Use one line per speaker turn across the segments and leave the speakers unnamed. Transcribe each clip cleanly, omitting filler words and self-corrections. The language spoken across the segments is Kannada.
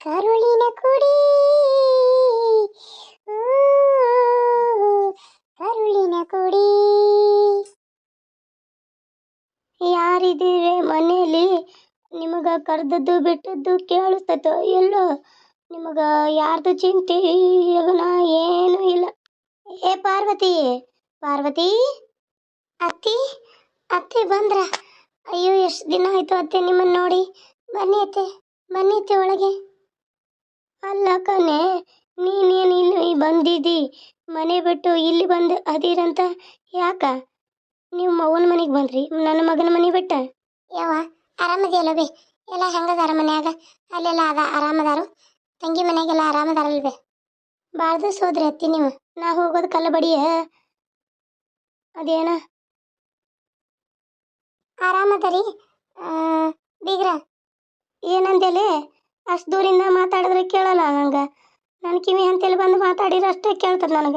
ಕರುಳಿನ ಕುಡಿ ಊ, ಕರುಳಿನ ಕುಡಿ. ಯಾರಿದ್ದೀರಿ ಮನೇಲಿ? ನಿಮಗ ಕರ್ದದ್ದು ಬಿಟ್ಟದ್ದು ಕೇಳಿಸ್ತೈತೋ ಎಲ್ಲೋ? ನಿಮಗ ಯಾರ್ದು ಚಿಂತೆ ಯಗನ ಏನೂ ಇಲ್ಲ. ಏ ಪಾರ್ವತಿ, ಪಾರ್ವತಿ, ಅತ್ತಿ, ಅತ್ತೆ ಬಂದ್ರ? ಅಯ್ಯೋ ಎಷ್ಟು ದಿನ ಆಯ್ತು ಅತ್ತೆ ನಿಮ್ಮನ್ನ ನೋಡಿ. ಬನ್ನಿ ಅತ್ತೆ, ಬನ್ನಿ ಅತ್ತೆ ಒಳಗೆ. ಅಲ್ಲ ಕಣೆ, ನೀನೇನು ಇಲ್ಲಿ ಬಂದಿದ್ದಿ? ಮನೆ ಬಿಟ್ಟು ಇಲ್ಲಿ ಬಂದು ಅದೀರಂತ ಯಾಕ? ನೀವು ಮಗನ ಮನೆಗೆ ಬಂದ್ರಿ, ನನ್ನ ಮಗನ ಮನೆ ಬಿಟ್ಟ? ಯವ್ವ ಆರಾಮದಿಯಲ್ಲ ಬೇ? ಎಲ್ಲ ಹೆಂಗದಾರ ಮನ್ಯಾಗ? ಅಲ್ಲೆಲ್ಲ ಆರಾಮದಾರು? ತಂಗಿ ಮನ್ಯಾಗೆಲ್ಲ ಆರಾಮದಾರಲ್ವೇ? ಭಾಳ ದಿವಸ ಹೋದ್ರಿ ಅತ್ತಿ ನೀವು. ನಾ ಹೋಗೋದು ಕಲ್ಲ ಬಡಿಯ ಅದೇನ ಆರಾಮದರಿ ಬೀಗ್ರ? ಏನಂದೇಲೆ ಅಷ್ಟು ದೂರಿಂದ ಮಾತಾಡಿದ್ರೆ ಕೇಳಲ್ಲ ನಂಗೆ. ನನ್ನ ಕಿವಿ ಅಂತೇಳಿ ಬಂದು ಮಾತಾಡಿದ್ರೆ ಅಷ್ಟೇ ಕೇಳ್ತದೆ ನನಗೆ.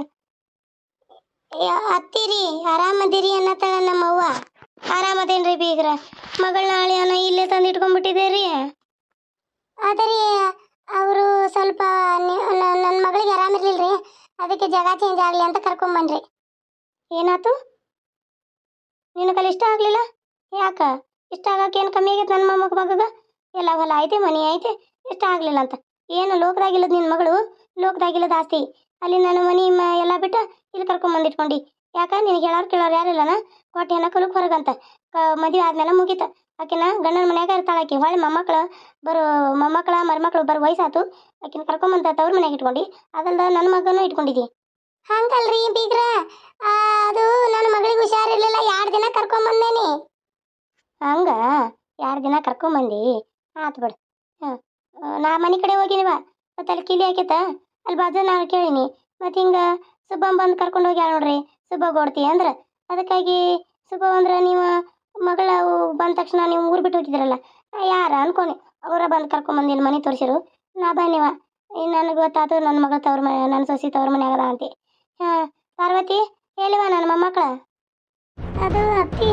ಅತ್ತಿರಿ ಆರಾಮದಿರಿ ಅನ್ನತ್ತಾಳ ನಮ್ಮವ್ವ. ಆರಾಮದೇನ್ರಿ ಬೀಗ್ರ? ಮಗಳನ್ನ ಅಳಿಯನ ಇಲ್ಲೇ ತಂದು ಇಟ್ಕೊಂಡ್ಬಿಟ್ಟಿದ್ದೀರಿ? ಅದರಿ ಅವರು ಸ್ವಲ್ಪ ನನ್ನ ಮಗಳಿಗೆ ಆರಾಮಿರ್ಲಿಲ್ರಿ, ಅದಕ್ಕೆ ಜಾಗ ಚೇಂಜ್ ಆಗಲಿ ಅಂತ ಕರ್ಕೊಂಬನ್ರಿ. ಏನಾಯ್ತು? ನಿನಗಲ್ಲಿ ಇಷ್ಟ ಆಗಲಿಲ್ಲ? ಯಾಕ? ಇಷ್ಟ ಆಗಕ್ಕೆ ಏನು ಕಮ್ಮಿ ಆಗೈತೆ ನನ್ನ ಮಗಗ? ಎಲ್ಲ ಹೊಲ ಐತೆ, ಮನೆ ಐತೆ, ಇಷ್ಟ ಆಗಲಿಲ್ಲ ಅಂತ ಏನು? ಲೋಕದಾಗಿಲ್ಲದ ನಿನ್ನ ಮಗಳು, ಲೋಕದಾಗಿಲ್ಲದ ಆಸ್ತಿ. ಅಲ್ಲಿ ನನ್ನ ಮನೆ ಎಲ್ಲ ಬಿಟ್ಟು ಇಲ್ಲಿ ಕರ್ಕೊಂಬಂದಿಟ್ಕೊಂಡು ಯಾಕ? ನಿನಗೆ ಹೇಳೋರು ಕೇಳೋರು ಯಾರಿಲ್ಲನ? ಕೊಟ್ಟು ಹೆಣ ಕಲಕ್ಕೆ ಹೊರಗಂತ ಮದುವೆ ಆದ್ಮೇಲೆ ಮುಗೀತ. ಆಕಿನ ಗಂಡನ ಮನ್ಯಾಗ ಇರ್ತಾಳೆ. ಆಕಿ ಹೊಳ್ಳಿ ಮೊಮ್ಮಕ್ಕಳ ಮರಿಮಕ್ಳು ಬರೋ ವಯಸ್ಸಾತು. ಆಕಿನ ಕರ್ಕೊಂಬಂತ ತವ್ರ ಮನ್ಯಾಗ ಇಟ್ಕೊಂಡು ಅದಲ್ದ ನನ್ನ ಮಗನೂ ಇಟ್ಕೊಂಡಿದ್ದಿ. ಹಂಗಲ್ರಿ ಬೀಗ್ರ, ಅದು ನನ್ನ ಮಗಳಿಗೆ ಹುಷಾರಿರ್ಲಿಲ್ಲ, 2 ದಿನ ಕರ್ಕೊಂಬಂದೇನಿ. ಹಂಗ 2 ದಿನ ಕರ್ಕೊಂಬಂದಿ? ಆತು ಬಿಡು. ನಾ ಮನೆ ಕಡೆ ಹೋಗಿನಿವ, ಮತ್ತೆ ಅಲ್ಲಿ ಕಿಲಿ ಹಾಕೈತ, ಅಲ್ಲಿ ಬಾಜು ನಾನು ಕೇಳೀನಿ. ಮತ್ತು ಹಿಂಗೆ ಸುಬ್ಬಮ್ಮ ಬಂದು ಕರ್ಕೊಂಡು ಹೋಗ್ಯಾಳ ನೋಡ್ರಿ, ಸುಬ್ಬ ಗೋಡ್ತಿ ಅಂದ್ರೆ. ಅದಕ್ಕಾಗಿ ಸುಬ್ಬ ಅಂದ್ರೆ ನೀವು ಮಗಳ ಬಂದ ತಕ್ಷಣ ನೀವು ಊರು ಬಿಟ್ಟು ಹೋಗಿದ್ದೀರಲ್ಲ, ಯಾರ ಅನ್ಕೊನಿ ಅವರ ಬಂದು ಕರ್ಕೊಂಬಂದು ಇಲ್ಲಿ ಮನೆ ತೋರಿಸಿರು. ನಾ ಬನ್ನಿವ, ನನಗೆ ಗೊತ್ತಾಯ್ತು ನನ್ನ ಮಗಳ ತವ್ರ ಮನೆ, ನನ್ನ ಸೊಸಿ ತವ್ರ ಮನೆ ಆಗದ ಅಂತಿ. ಹಾಂ ಪಾರ್ವತಿ ಹೇಳಿವ ನನ್ನ ಮೊಮ್ಮಕ್ಕಳ? ಅದು ಅತ್ತಿ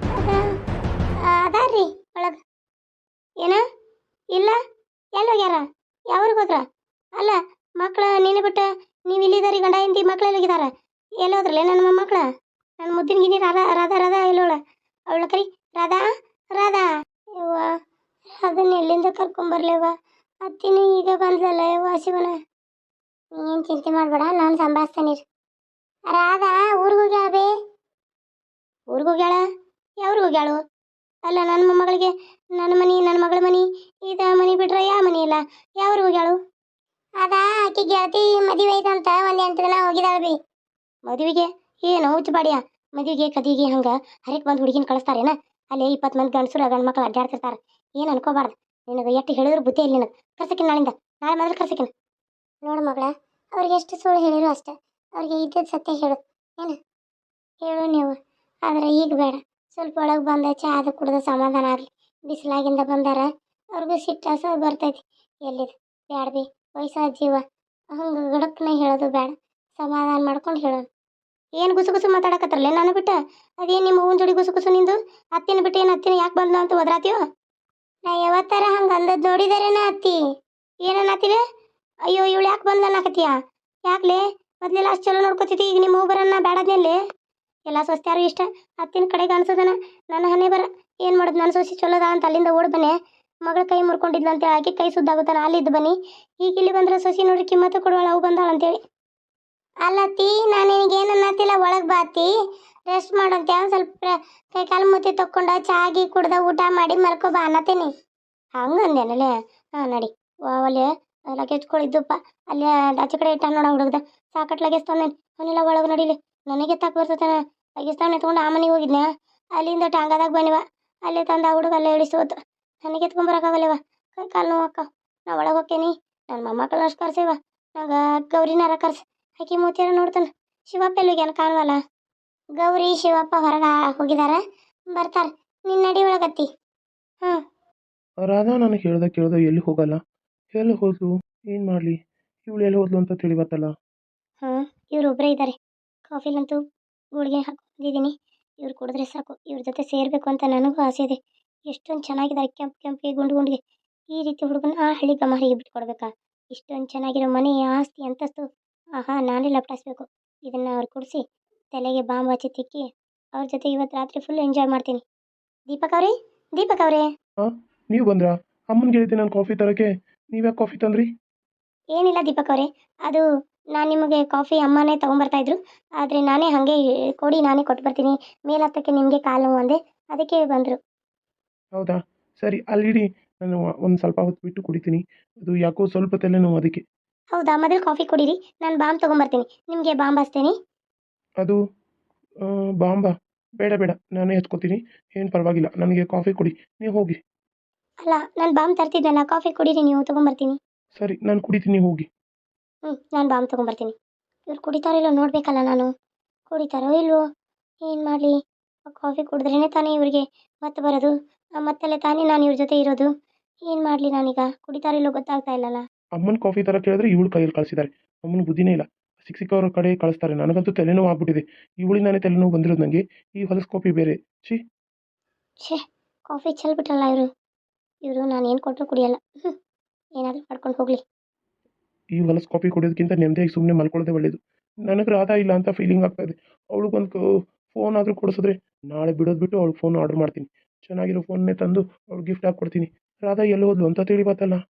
ಅದಾರ್ರಿ ಒಳಗೆ. ಏನ ಇಲ್ಲ? ಎಲ್ಲಿ ಹೋಗ್ಯಾರ? ಯಾವ್ರಿಗೆ ಹೋದ್ರ? ಅಲ್ಲ ಮಕ್ಳು ನೀನು ಬಿಟ್ಟು ನೀವು ಇಲ್ಲಿದ್ದಾರಿ, ಗಂಡ ಹಿಂದಿ ಮಕ್ಳು ಎಲ್ಲಿಗಿದಾರ? ಎಲ್ಲಿ ಹೋದ್ರಲ್ಲ ನನ್ನ ಮೊಮ್ಮಕ್ಳ? ನನ್ನ ಮುದ್ದಿನ ಗಿನಿ ರಾಧಾ ಎಲ್ಲೋಳ? ಅವಳ ಕರಿ ರಾಧಾ, ರಾಧಾ. ಯವ್ವ ಅದನ್ನ ಎಲ್ಲಿಂದ ಕರ್ಕೊಂಬರ್ಲೇವ? ಅತ್ತಿನೂ ಈಗ ಬಂದ್ಲಲ್ಲ ಯವ್ವ ಶಿವನ. ಏನು ಚಿಂತೆ ಮಾಡಬೇಡ, ನಾನು ಸಂಭಾಳಿಸ್ತೇನೆ. ರಾಧಾ ಊರಿಗೆ ಹೋಗ್ಯಾಳ ಬೇ? ಊರಿಗೆ ಹೋಗ್ಯಾಳ? ಯಾವ್ರಿಗೆ ಹೋಗ್ಯಾಳು? ಅಲ್ಲ ನನ್ನ ಮೊಮ್ಮಗಳಿಗೆ ನನ್ನ ಮಗಳ ಮನೆ ಇದ ಮನೆ ಬಿಟ್ರೆ ಯಾವ ಮನೆ ಇಲ್ಲ, ಯಾವ್ರಿಗೆ ಹೋಗ್ಯಾಳು? ಅದಾ ಆಕಿ ಗೆಳತಿ ಮದುವೆ ಐತಂತ 1-8 ದಿನ ಹೋಗಿದಾಳ ಬಿ. ಮದುವೆಗೆ? ಏನು ಹುಚ್ಚು ಬಾಡಿಯ? ಮದುವೆಗೆ ಕದಿಗೆ ಹಂಗೆ ಹರಿಕ್ ಬಂದು ಹುಡುಗಿನ ಕಳಿಸ್ತಾರೇನ? ಅಲ್ಲಿ 20 ಮಂದಿ ಗಂಡಸರು ಗಂಡು ಮಕ್ಕಳು ಅಡ್ಡಾಡ್ತಿರ್ತಾರೆ. ಏನು ಅನ್ಕೋಬಾರ್ದು. ನಿನಗೆ ಎಷ್ಟು ಹೇಳಿದ್ರು ಬುದ್ಧಿ ಇಲ್ಲ ನಿನಗೆ. ಕರ್ಸಕಿನ ನಾಳಿಂದ, ನಾಳೆ ಮೊದಲು ಕರ್ಸಕಿನ. ನೋಡು ಮಗಳ, ಅವ್ರಿಗೆ ಎಷ್ಟು ಸುಳ್ಳು ಹೇಳಿರು ಅಷ್ಟೆ, ಅವ್ರಿಗೆ ಇದ್ದದ್ದು ಸತ್ಯ ಹೇಳು. ಏನು ಹೇಳು ನೀವು, ಆದರೆ ಈಗ ಬೇಡ. ಸ್ವಲ್ಪ ಒಳಗೆ ಬಂದ ಚಾ ಅದು ಕುಡ್ದು ಸಮಾಧಾನ ಆಗಲಿ. ಬಿಸಿಲಾಗಿಂದ ಬಂದಾರ, ಅವ್ರಿಗೂ ಸಿಟ್ಟಾಸ ಬರ್ತೈತಿ. ಎಲ್ಲಿದು ಬ್ಯಾಡ ಬಿ, ವಯಸ್ಸಾದ ಜೀವ, ಹಂಗೆ ಗಡಕ್ನ ಹೇಳೋದು ಬೇಡ, ಸಮಾಧಾನ ಮಾಡ್ಕೊಂಡು ಹೇಳೋದು. ಏನು ಗುಸು ಗುಸು ಮಾತಾಡಕತ್ತರಲ್ಲ ನಾನು ಬಿಟ್ಟ? ಅದೇನು ನಿಮ್ಮ ಹೂವಿನ ಜೋಡಿ ಗುಸು ಗುಸು ನಿಂದು? ಅತ್ತಿನ ಬಿಟ್ಟು ಏನು ಅತ್ತಿನ ಯಾಕೆ ಬಂದ ಅಂತ ಒದ್ರಾತೀವೋ? ನಾ ಯಾವತ್ತರ ಹಂಗೆ ಅಂದದ್ದು ನೋಡಿದಾರೇನ ಅತ್ತಿ? ಏನನ್ನತ್ತೀವಿ? ಅಯ್ಯೋ ಇವಳು ಯಾಕೆ ಬಂದ ಅನ್ನಕತ್ತೀಯ? ಯಾಕ್ಲೆ? ಮೊದಲೆಲ್ಲ ಅಷ್ಟು ಚಲೋ ನೋಡ್ಕೊತಿದ್ದಿ, ಈಗ ನಿಮ್ಮ ಹೂ ಬರನ್ನ ಬೇಡದ್ನಲ್ಲಿ ಎಲ್ಲ ಸ್ವಸ್ತ್ಯಾರು ಇಷ್ಟ. ಅತ್ತಿನ ಕಡೆಗೆ ಅನ್ಸೋದನ ನನ್ನ ಹಣೆ ಬರ. ಏನು ಮಾಡೋದು, ನನ್ನ ಸೊಸಿ ಚಲೋದ ಅಂತ ಅಲ್ಲಿಂದ ಓಡ್ ಬನ್ನಿ. ಮಗಳ ಕೈ ಮುರ್ಕೊಂಡಿದ್ಲಂತೇಳಿ ಆಕೆ ಕೈ ಸುದ್ದಾಗುತ್ತಾನ ಅಲ್ಲಿದ್ದು ಬನ್ನಿ. ಈಗ ಇಲ್ಲಿ ಬಂದ್ರೆ ಸೊಸಿ ನೋಡ್ರಿ ಕಿಮ್ಮತ್ತು ಕೊಡುವಳ, ಅವು ಬಂದಾಳ ಅಂತೇಳಿ. ಅಲ್ಲತ್ತಿ ನಾನು ನಿನಗೇನು ಅನ್ನತ್ತಿಲ್ಲ, ಒಳಗೆ ಬಾತಿ ರೆಸ್ಟ್ ಮಾಡಂತೆ. ಒಂದು ಸ್ವಲ್ಪ ಕೈ ಕಾಲು ಮುತ್ತಿ ತಕ್ಕೊಂಡು ಚಾಗಿ ಕುಡ್ದ ಊಟ ಮಾಡಿ ಮಲ್ಕೊ ಬಾ ಅನ್ನತ್ತೀನಿ. ಹಂಗಂದೇನಲ್ಲೇ? ಹಾಂ ನಡಿ. ಒಲೆ ಲಗೇಜ್ ಕೊಳಿದ್ದಪ್ಪ ಅಲ್ಲೇ ಆಚೆ ಕಡೆ ಇಟ್ಟ ನೋಡ ಹುಡುಗ್ದ. ಸಾಕಟ್ ಲಗೇಜ್ ತಂದೇನೆ, ಅವನ್ನೆಲ್ಲ ಒಳಗೆ ನಡಿಲಿ. ನನಗೆ ತಾಕ ಬರ್ತೇನೆ. ಲಗೇಜ್ ತಾವು ಎತ್ಕೊಂಡು ಆ ಮನೆಗೆ ಹೋಗಿದ್ನೆ, ಅಲ್ಲಿಂದ ಟಾಂಗಾದಾಗ ಬನ್ನಿವ, ಅಲ್ಲೇ ತಂದ ಆ ಹುಡುಗ ಅಲ್ಲೇ ಇಳಿಸೋದು. ನನಗೆ ಎತ್ಕೊಂಬರಕ್ಕಾಗಲ್ಲವ, ಕೈ ಕಾಲು ನೋವು ಅಕ್ಕ. ನಾ ಒಳಗೆ ಹೋಗ್ತೇನೆ, ನನ್ನ ಮೊಮ್ಮಕ್ಕಳು ಅಷ್ಟು ಕರ್ಸೇವ. ನಂಗೆ ಗೌರಿನಾರ ಕರ್ಸಿ ಆಕಿ ಮೂತಿಯಾರ ನೋಡ್ತಾನೆ. ಶಿವಪ್ಪ ಎಲ್ಲಿಗ್ಯಾನ ಕಾಣವಲ್ಲ? ಗೌರಿ ಶಿವಪ್ಪ ಹೊರಗೆ ಹೋಗಿದಾರ, ಬರ್ತಾರೆ. ನಿನ್ನ ನಡಿ ಒಳಗತ್ತಿ. ಹಾಂ
ರಾಧಾ ನನಗೆ ಕೇಳ್ದ ಎಲ್ಲಿ ಹೋಗಲ್ಲ, ಎಲ್ಲಿ ಹೋದ್ಲು, ಏನು ಮಾಡಲಿ, ಇವಳು ಎಲ್ಲಿ ಹೋದ್ಲು ಅಂತ ತಿಳಿವತ್ತಲ್ಲ.
ಹಾಂ ಇವ್ರೊಬ್ಬರೇ ಇದ್ದಾರೆ. ಕಾಫಿಲಂತೂ ಗುಳಿಗೆ ಹಾಕೊಂಡಿದ್ದೀನಿ, ಇವ್ರು ಕುಡಿದ್ರೆ ಸಾಕು. ಇವ್ರ ಜೊತೆ ಸೇರಬೇಕು ಅಂತ ನನಗೂ ಆಸೆ ಇದೆ. ಎಷ್ಟೊಂದು ಚೆನ್ನಾಗಿದ್ದಾರೆ, ಕೆಂಪು ಕೆಂಪಿಗೆ ಗುಂಡು ಗುಂಡಿಗೆ. ಈ ರೀತಿ ಹುಡುಗನ ಆ ಹಳ್ಳಿ ಗಮಾರಿಗೆ ಬಿಟ್ಕೊಡ್ಬೇಕಾ? ಇಷ್ಟೊಂದು ಚೆನ್ನಾಗಿರೋ ಮನೆ, ಆಸ್ತಿ, ಅಂತಸ್ತು, ಆಹಾ ನಾನೇ ಲಪಟಾಯಿಸ್ಬೇಕು. ಇದನ್ನು ಅವ್ರು ಕೊಡಿಸಿ ತಲೆಗೆ ಬಾಂಬ್ ಹಚ್ಚಿ ತಿಕ್ಕಿ ಅವ್ರ ಜೊತೆ ಇವತ್ತು ರಾತ್ರಿ ಫುಲ್ ಎಂಜಾಯ್ ಮಾಡ್ತೀನಿ. ದೀಪಕ್ ಅವರೇ, ದೀಪಕ್ ಅವರೇ,
ಹಾಂ, ನೀವು ಬಂದ್ರಾ? ಅಮ್ಮನಿಗೆ ಹೇಳಿದ್ದೆ ನಾನು ಕಾಫಿ ತರೋಕ್ಕೆ, ನೀವ್ಯಾಕೆ ಕಾಫಿ ತಂದ್ರಿ?
ಏನಿಲ್ಲ ದೀಪಕ್ ಅವರೇ, ಅದು ನಾನು ನಿಮಗೆ ಕಾಫಿ ಅಮ್ಮನೇ ತೊಗೊಂಬರ್ತಾ ಇದ್ರು, ಆದರೆ ನಾನೇ ಹಾಗೆ ಕೊಡಿ ನಾನೇ ಕೊಟ್ಟು ಬರ್ತೀನಿ, ಮೇಲೆ ಹತ್ತಕ್ಕೆ ನಿಮಗೆ ಕಾಲು ನೋವು ಅಂದೆ, ಅದಕ್ಕೆ ಬಂದರು.
ಹೌದಾ, ಸರಿ ಅಲ್ಲಿಡಿ, ನಾನು ಒಂದು ಸ್ವಲ್ಪ ಹೊತ್ತು ಬಿಟ್ಟು ಕುಡಿತೀನಿ. ಅದು ಯಾಕೋ ಸ್ವಲ್ಪ ತಲೆನೋವು ಅದಕ್ಕೆ.
ಹೌದಾ, ಮೊದಲು ಕಾಫಿ ಕುಡೀರಿ, ನಾನು ಬಾಂಬ್ ತೊಗೊಂಬರ್ತೀನಿ, ನಿಮಗೆ ಬಾಂಬ್ ಹಚ್ತೇನೆ.
ಅದು ಬಾಂಬಾ? ಬೇಡ ಬೇಡ, ನಾನೇ ಎತ್ಕೋತೀನಿ, ಏನು ಪರವಾಗಿಲ್ಲ, ನನಗೆ ಕಾಫಿ ಕೊಡಿ, ನೀವು ಹೋಗಿ.
ಅಲ್ಲ, ನಾನು ಬಾಂಬ್ ತರ್ತಿದ್ನಲ್ಲ, ಕಾಫಿ ಕುಡೀರಿ ನೀವು, ತೊಗೊಂಬರ್ತೀನಿ.
ಸರಿ, ನಾನು ಕುಡಿತೀನಿ, ಹೋಗಿ.
ನಾನು ಬಾಂಬ್ ತೊಗೊಂಬರ್ತೀನಿ. ಇವ್ರು ಕುಡಿತಾರೋ ಇಲ್ಲೋ ನೋಡಬೇಕಲ್ಲ ನಾನು, ಕುಡಿತಾರೋ ಇಲ್ವೋ, ಏನು ಮಾಡಲಿ? ಕಾಫಿ ಕುಡಿದ್ರೇ ತಾನೇ ಇವರಿಗೆ ಮತ್ತೆ ಬರೋದು, ಮತ್ತಲ್ಲೇ ತಾನೇ ನಾನು ಇವ್ರ ಜೊತೆ ಇರೋದು, ಏನು ಮಾಡಲಿ ನಾನೀಗ? ಕುಡಿತಾರೋ ಇಲ್ಲೋ ಗೊತ್ತಾಗ್ತಾ ಇಲ್ಲಲ್ಲ.
ಅಮ್ಮನ ಕಾಫಿ ತರ ಕೇಳಿದ್ರೆ ಇವಳು ಕೈಯಲ್ಲಿ ಕಳಿಸಿದ್ದಾರೆ. ಅಮ್ಮನ ಬುದ್ಧಿನೇ ಇಲ್ಲ, ಸಿಕ್ಕವ್ರ ಕಡೆ ಕಳಿಸ್ತಾರೆ. ನನಗಂತೂ ತಲೆನೋವು ಆಗ್ಬಿಟ್ಟಿದೆ. ಇವಳಿಂದಾನೇ ತಲೆನೋವು ಬಂದಿರೋದು ನನಗೆ. ಈ ಹೊಲಸು ಕಾಫಿ ಬೇರೆ, ಛೀ.
ಛೇ, ಕಾಫಿ ಚೆಲ್ಬಿಟ್ರಲ್ಲ ಇವರು ನಾನು ಏನು ಕೊಟ್ಟರು ಕುಡಿಯಲ್ಲ. ಏನಾದರೂ ಮಾಡ್ಕೊಂಡು ಹೋಗಲಿ.
ಈ ಹೊಲಸು ಕಾಫಿ ಕುಡಿಯೋದಕ್ಕಿಂತ ನೆಮ್ಮದಿಯಾಗಿ ಸುಮ್ಮನೆ ಮಲ್ಕೊಳ್ಳೋದೇ ಒಳ್ಳೇದು. ನನಗೆ ರಾಧಾ ಇಲ್ಲ ಅಂತ ಫೀಲಿಂಗ್ ಆಗ್ತಾ ಇದೆ. ಅವಳಿಗೊಂದು ಫೋನ್ ಆದರೂ ಕೊಡಿಸಿದ್ರೆ ನಾಳೆ ಬಿಡೋದು ಬಿಟ್ಟು ಅವಳಿಗೆ ಫೋನ್ ಆರ್ಡರ್ ಮಾಡ್ತೀನಿ. ಚೆನ್ನಾಗಿರೋ ಫೋನ್ನೇ ತಂದು ಅವ್ಳಿಗೆ ಗಿಫ್ಟ್ ಹಾಕ್ಕೊಡ್ತೀನಿ. ರಾಧಾ ಎಲ್ಲಿ ಹೋದ್ಲು ಅಂತ ತಿಳಿಬತ್ತಲ್ಲ.